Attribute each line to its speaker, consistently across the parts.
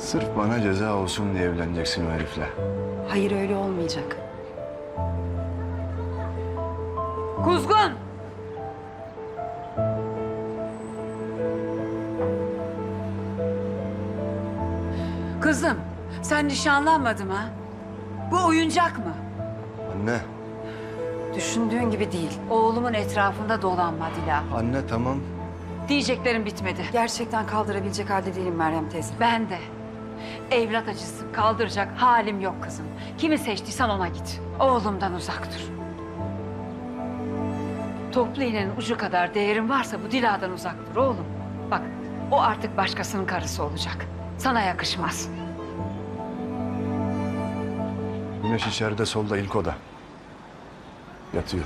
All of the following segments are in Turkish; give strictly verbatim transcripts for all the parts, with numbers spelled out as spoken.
Speaker 1: Sırf bana ceza olsun diye evleneceksin o herifle.
Speaker 2: Hayır, öyle olmayacak.
Speaker 3: Kuzgun! Kızım, sen nişanlanmadın mı? Ha? Bu oyuncak mı?
Speaker 1: Anne,
Speaker 2: Düşündüğün gibi değil.
Speaker 3: Oğlumun etrafında dolanma Dila.
Speaker 1: anne tamam.
Speaker 3: Diyeceklerim bitmedi.
Speaker 2: Gerçekten kaldırabilecek halde değilim Meryem teyze.
Speaker 3: Ben de. Evlat acısı kaldıracak halim yok kızım. Kimi seçtiysen ona git. Oğlumdan uzak dur. Toplu iğnenin ucu kadar değerin varsa bu Dila'dan uzak dur oğlum. Bak, o artık başkasının karısı olacak. Sana yakışmaz.
Speaker 1: Güneş içeride solda ilk oda. Yatıyor.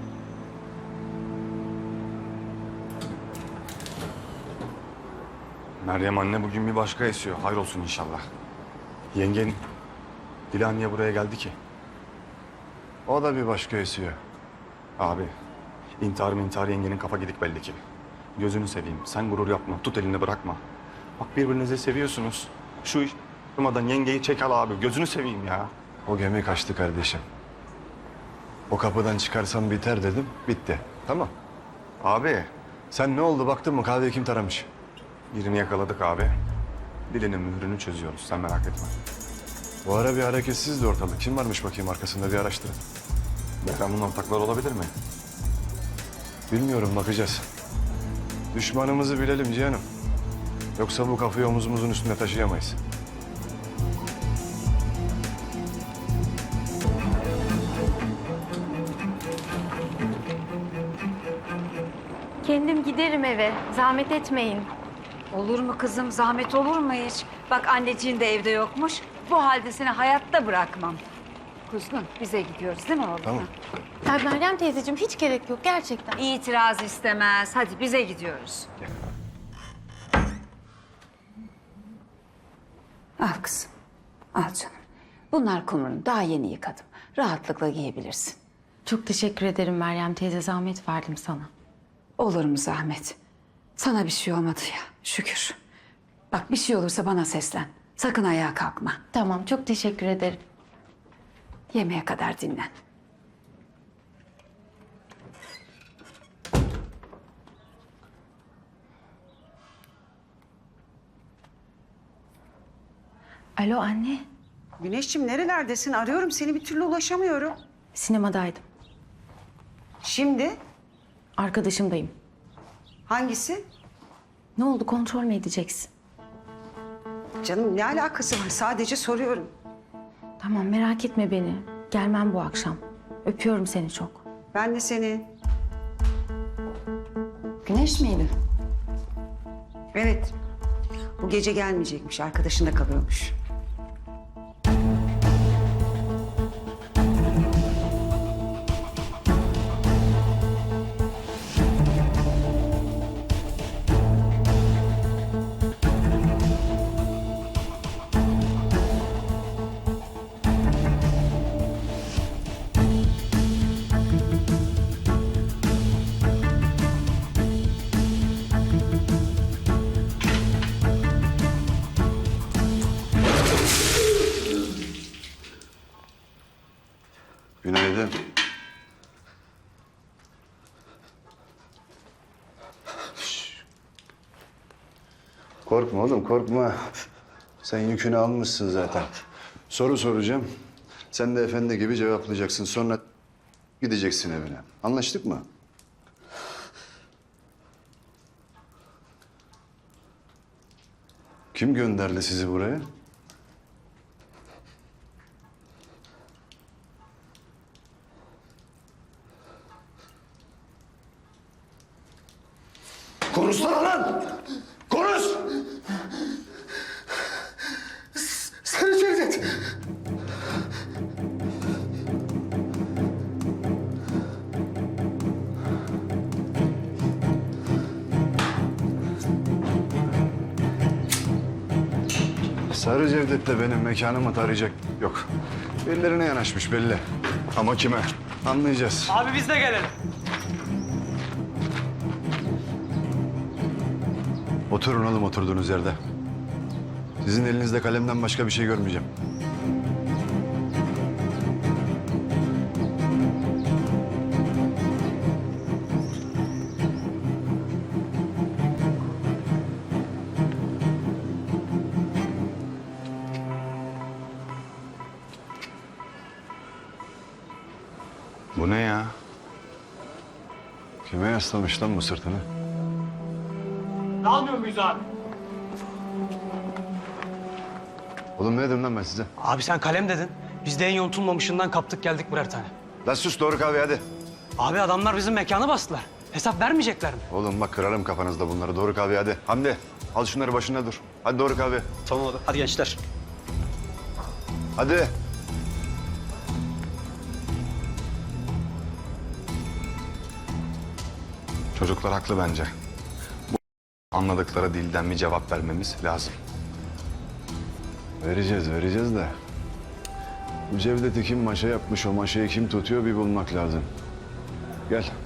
Speaker 1: Meryem anne bugün bir başka esiyor. Hayrolsun inşallah. Yengen Dila niye buraya geldi ki? O da bir başka esiyor. Abi, intihar intihar yengenin kafa gidik belli ki. Gözünü seveyim. Sen gurur yapma. Tut elini bırakma. Bak birbirinizi seviyorsunuz. Şu iş durmadan yengeyi çek al abi. Gözünü seveyim ya. O gemi kaçtı kardeşim. O kapıdan çıkarsam biter dedim. Bitti. Tamam. Abi sen ne oldu baktın mı kahveyi kim taramış? Birini yakaladık abi. Dilinin mührünü çözüyoruz. Sen merak etme. Bu ara bir hareketsizdi ortalık. Kim varmış bakayım arkasında bir araştırın. Behram'ın ortakları olabilir mi? Bilmiyorum bakacağız. Düşmanımızı bilelim Cihan'ım. Yoksa bu kafayı omuzumuzun üstüne taşıyamayız.
Speaker 4: Kendim giderim eve. Zahmet etmeyin.
Speaker 3: Olur mu kızım? Zahmet olur mu hiç? Bak anneciğin de evde yokmuş. Bu halde seni hayatta bırakmam. Kuzgun, bize gidiyoruz değil mi oğlum?
Speaker 1: Tamam.
Speaker 4: Ya Meryem teyzeciğim hiç gerek yok gerçekten.
Speaker 3: İtiraz istemez. Hadi bize gidiyoruz. Al kızım. Al canım. Bunlar kumrunu daha yeni yıkadım. Rahatlıkla giyebilirsin.
Speaker 4: Çok teşekkür ederim Meryem teyze. Zahmet verdim sana.
Speaker 3: Olur mu zahmet? Sana bir şey olmadı ya. Şükür. Bak bir şey olursa bana seslen. Sakın ayağa kalkma.
Speaker 4: Tamam çok teşekkür ederim.
Speaker 3: Yemeğe kadar dinlen.
Speaker 4: Alo anne.
Speaker 5: Güneşciğim nerelerdesin? Arıyorum seni bir türlü ulaşamıyorum.
Speaker 4: Sinemadaydım.
Speaker 5: Şimdi
Speaker 4: Arkadaşımdayım.
Speaker 5: hangisi?
Speaker 4: Ne oldu kontrol mü edeceksin?
Speaker 5: Canım ne alakası var? Sadece soruyorum.
Speaker 4: Tamam merak etme beni. Gelmem bu akşam. Öpüyorum seni çok.
Speaker 5: Ben de seni.
Speaker 2: Güneş miydi?
Speaker 5: Evet. Bu gece gelmeyecekmiş. Arkadaşında kalıyormuş.
Speaker 1: Günaydın. Korkma oğlum korkma. Sen yükünü almışsın zaten. Soru soracağım. Sen de efendi gibi cevaplayacaksın. Sonra gideceksin evine. Anlaştık mı? Kim gönderdi sizi buraya? Konuşsana lan! Konuş! Sarı Cevdet! Sarı Cevdet de benim mekanımı tarayacak yok. Birilerine yanaşmış belli. Ama kime? Anlayacağız.
Speaker 6: Abi biz de gelelim.
Speaker 1: Oturun oğlum oturduğunuz yerde. Sizin elinizde kalemden başka bir şey görmeyeceğim. Bu ne ya? Kime yaslamış lan bu sırtını?
Speaker 6: Almıyor muyuz abi?
Speaker 1: Oğlum ne dedim lan ben size?
Speaker 6: Abi sen kalem dedin. Biz de en yontulmamışından kaptık geldik birer tane.
Speaker 1: Lan sus, doğru kahve hadi.
Speaker 6: Abi adamlar bizim mekanı bastılar. Hesap vermeyecekler mi?
Speaker 1: Oğlum bak kırarım kafanızda bunları, doğru kahve hadi. Hamdi al şunları başında dur. Hadi doğru kahve.
Speaker 6: Tamam abi. Hadi gençler.
Speaker 1: Hadi. Çocuklar haklı bence. Bu anladıkları dilden bir cevap vermemiz lazım.
Speaker 7: Vereceğiz, vereceğiz de. Bu Cevdet'i kim maşa yapmış, o maşayı kim tutuyor bir bulmak lazım. Gel.